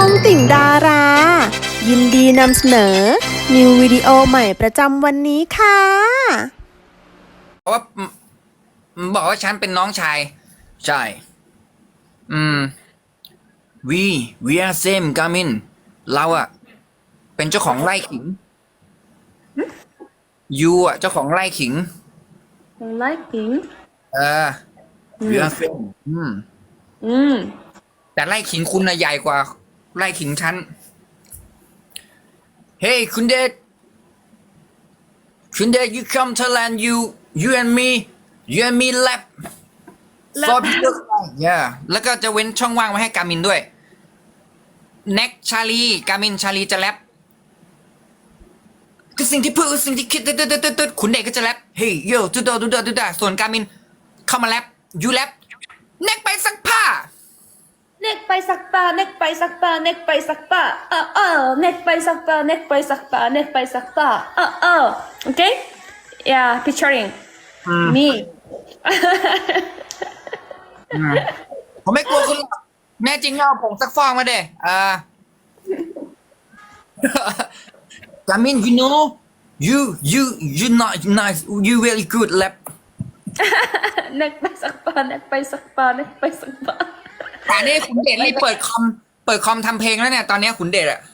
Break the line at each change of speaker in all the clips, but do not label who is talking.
องติ่งดารา ยินดีนำเสนอ นิววิดีโอใหม่ประจำวันนี้ค่ะ
เพราะว่าบอกว่าฉันเป็นน้องชาย ใช่ อืม we are same กามินเราอะเป็นเจ้าของไร่ขิง you อะเจ้าของไร่ขิง
Liking
เออ we are same แต่ไร่ขิงคุณน่ะใหญ่กว่าไร่ขิงฉัน Hey คุณเดชyou come Thailand you and me lab for business yeah แล้วก็จะเว้นช่องว่างไว้ให้กามินด้วย แน็กชาลีกามินชาลีจะแรปคือสิ่งที่พูดสิ่งที่คิดตึ๊ดขุนเดชก็จะแรปเฮ้ยโย่ตุ๊ดส่วนกามินเข้ามาแรปยูแรปแน็กไปซักผ้า
Neck by sakpa, neck by sakpa, neck by sakpa. Neck by sakpa, neck by sakpa, neck by sakpa. Okay? Yeah, picturing me.
ผมไม่กลัวคุณหรอกแน่จริงเอาผงซักฟอกมาเด้กามิน you know you not nice you very good rap
Neck by sakpa, neck by sakpa, neck by sakpa.
แต่นี่ขุนเดชรีบเปิดคอมทำเพลงแล้วเนี่ยตอนนี้ขุนเดชอะ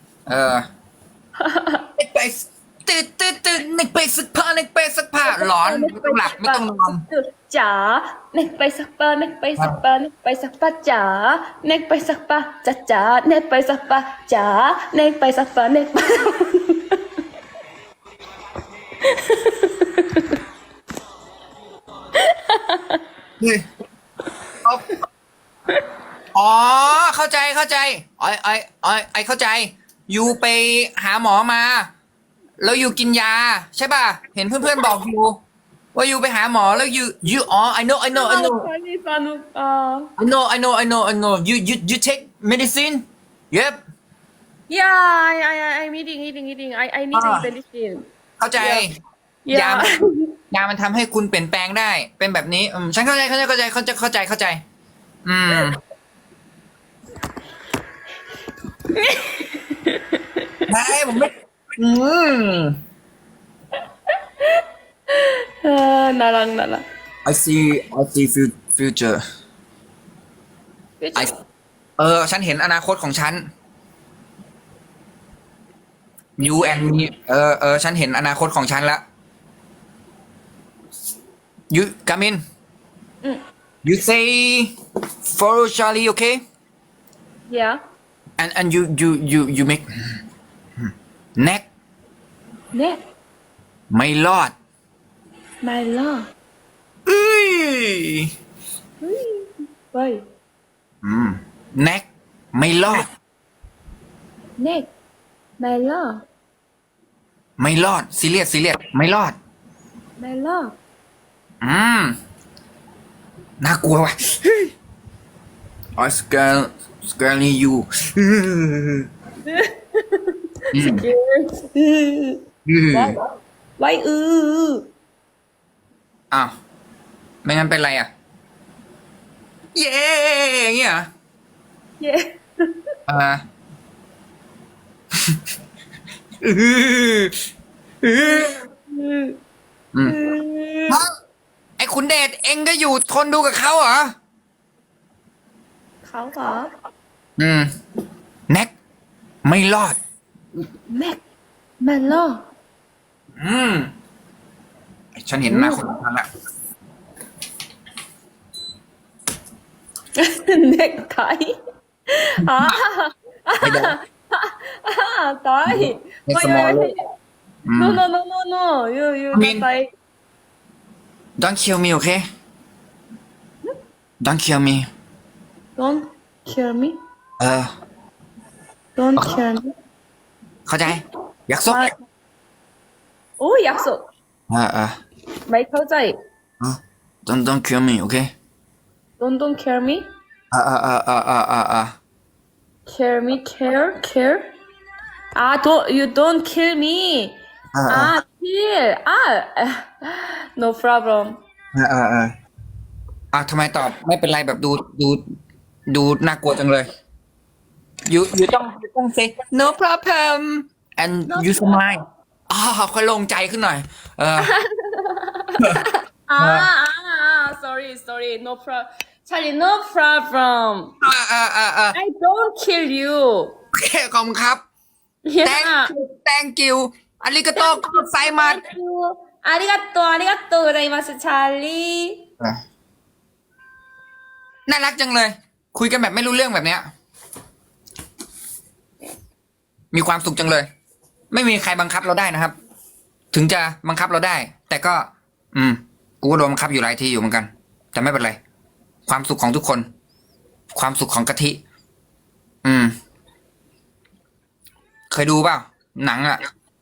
เน็กไปตื่นเน็กไปซักผ้าหลอนไม่ต้องหลับไม่ต้องนอน
จ๋า neck by sakpa, neck by sakpa, neck by sakpa จ๋า neck by sakpa จ๋า neck by sakpa จ๋า neck by sakpa, neck by
อ๋อเข้าใจไอเข้าใจยูไปหาหมอมา แล้วยูกินยาใช่ป่ะเห็นเพื่อนๆบอกยูว่ายูไปหาหมอแล้วยูอ๋อ I know
Chinese Anuk
I know you take medicine yep
Yeah, I'm eating. I need medicine.
เข้าใจ
Yeah.
ยามันทำให้คุณเปลี่ยนแปลงได้ เป็นแบบนี้ฉันเข้าใจไม่ผมไม่
나랑.
I see future ฉันเห็นอนาคตของฉัน you and me ฉันเห็นอนาคตของฉันละ you come in you say follow Charlie okay
Yeah.
and you make neck
Neck.
ไม่รอด
My love.
เอ้ย
Why?
neck ไม่รอด
Neck. My love.
ไม่รอดซีเรียสไม่รอด
My love.
น่ากลัวว่ะI scaring you
Why?
อ้าว ไม่งั้นเป็นไรอ่ะ เย้อย่างเงี้ยเหรอ
Yeah.
ไอ้ขุนเดชเอ็งก็อยู่ทนดูกับเขาเหรอ
เขาเหรอ
แน็กไม่รอด
Neck. My love.
ฉันเห็นหน้าคนนั้นละ
Neck tie. Die.
It's small.
No. You
I mean-
not die.
Don't kill me okay Don't kill me
Don't kill me.
เออ
Don't kill me.
เข้าใจอยากซก
오, 약속. ไม่เข้าใจ
Don't kill me okay
Don't kill me. Kill me, care. You don't kill me. Kill. No problem.
ทำไมตอบไม่เป็นไรแบบดูน่ากลัวจังเลย you ต้อง say no problem and you smile ค่อยโล่งใจขึ้นหน่อย
sorry no problem Charlie no problem I don't kill you
โอเคขอบคุณครับ thank you อาริกาโตไซมัส
아리가또 고자이마스 찰리
น่ารักจังเลย คุยกันแบบไม่รู้เรื่องแบบเนี้ย มีความสุขจังเลย ไม่มีใครบังคับเราได้นะครับ ถึงจะบังคับเราได้ แต่ก็ กูก็โดนบังคับอยู่หลายทีอยู่เหมือนกัน แต่ไม่เป็นไร ความสุขของทุกคน ความสุขของกะทิ เคยดูเปล่าหนังอ่ะ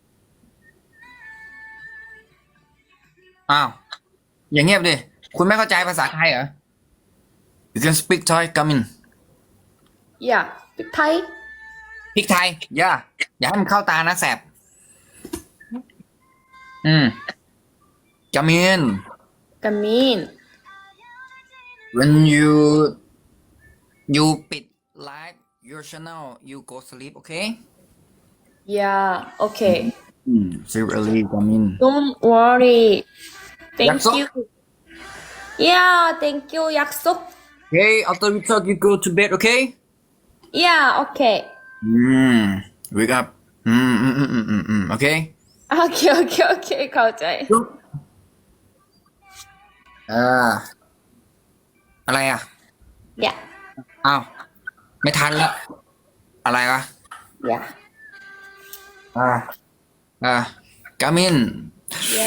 อ้าว อย่างเงียบดิ คุณไม่เข้าใจภาษาไทยเหรอ You can speak Thai come in
야 빅타이
พริกไทย อย่าให้มันเข้าตานะแสบ come in
가민
when you ปิด live your channel you go sleep okay
야 오케이
sleep early come in
Don't worry Thank
약속?
you 야 thank you 약속
okay after we talk you go to bed okay
야 오케이
wake up okay
오케이 가오자이
อะไรอ่ะ
야
อ้าวไม่ทันละอะไรวะ
야
come in
야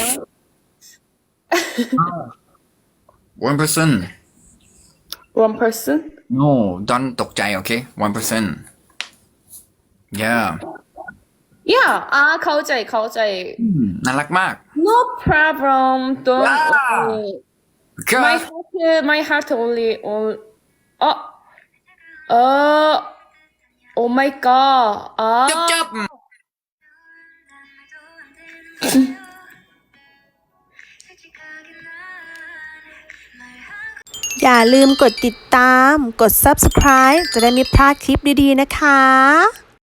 one person
One person
no don't ตกใจ okay one person yeah
야 가오자이
น่ารักมาก
No problem Don't
Yeah.
worry
Because
My heart only Oh my god
จับ
อย่าลืมกดติดตาม กด subscribe จะได้ไม่พลาดคลิปดีๆนะคะ